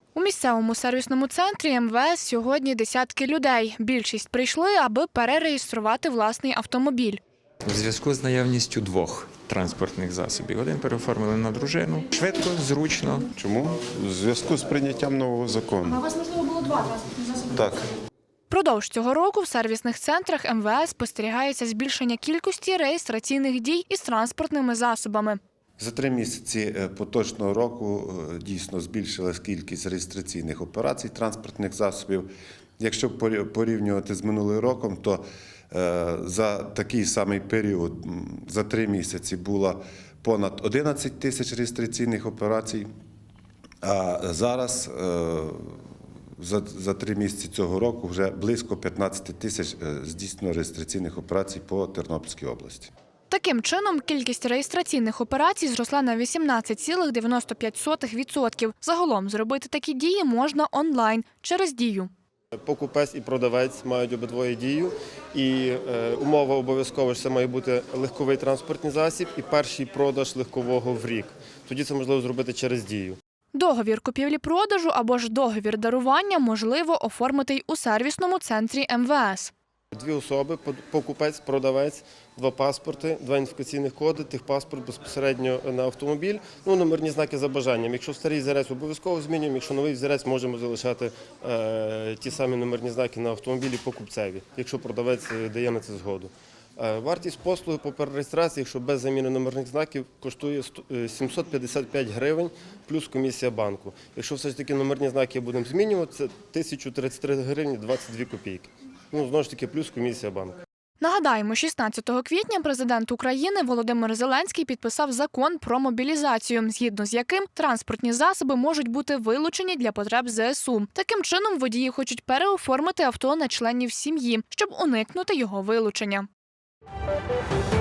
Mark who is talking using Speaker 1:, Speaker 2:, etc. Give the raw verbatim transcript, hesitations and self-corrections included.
Speaker 1: У місцевому сервісному центрі ем ве ес сьогодні десятки людей. Більшість прийшли, аби перереєструвати власний автомобіль.
Speaker 2: У зв'язку з наявністю двох транспортних засобів. Один переоформили на дружину. Швидко, зручно.
Speaker 3: Чому? У зв'язку з прийняттям нового закону.
Speaker 1: А у вас, можливо, було два транспортні засоби?
Speaker 3: Так.
Speaker 1: Продовж цього року в сервісних центрах ем ве ес спостерігається збільшення кількості реєстраційних дій із транспортними засобами.
Speaker 3: За три місяці поточного року дійсно збільшилась кількість реєстраційних операцій транспортних засобів. Якщо порівнювати з минулим роком, то за такий самий період, за три місяці, було понад одинадцять тисяч реєстраційних операцій, а зараз за, за три місяці цього року вже близько п'ятнадцять тисяч здійснено реєстраційних операцій по Тернопільській області.
Speaker 1: Таким чином, кількість реєстраційних операцій зросла на вісімнадцять цілих дев'яносто п'ять сотих відсотка. Загалом зробити такі дії можна онлайн через Дію.
Speaker 4: Покупець і продавець мають обидвоє дію, і е, умова обов'язково, що це має бути легковий транспортний засіб і перший продаж легкового в рік. Тоді це можливо зробити через Дію.
Speaker 1: Договір купівлі-продажу або ж договір дарування можливо оформити й у сервісному центрі ем ве ес.
Speaker 4: Дві особи, покупець, продавець, два паспорти, два ідентифікаційних коди, техпаспорт безпосередньо на автомобіль, ну, номерні знаки за бажанням. Якщо старий взірець обов'язково змінюємо, якщо новий взірець можемо залишати е, ті самі номерні знаки на автомобілі покупцеві, якщо продавець дає на це згоду. Е, вартість послуги по перереєстрації, якщо без заміни номерних знаків, коштує сімсот п'ятдесят п'ять гривень плюс комісія банку. Якщо все ж таки номерні знаки будемо змінювати, це тисяча тридцять три гривні двадцять дві копійки. Ну, знову ж таки, плюс комісія банку.
Speaker 1: Нагадаємо, шістнадцятого квітня президент України Володимир Зеленський підписав закон про мобілізацію, згідно з яким транспортні засоби можуть бути вилучені для потреб зе ес у. Таким чином, водії хочуть переоформити авто на членів сім'ї, щоб уникнути його вилучення.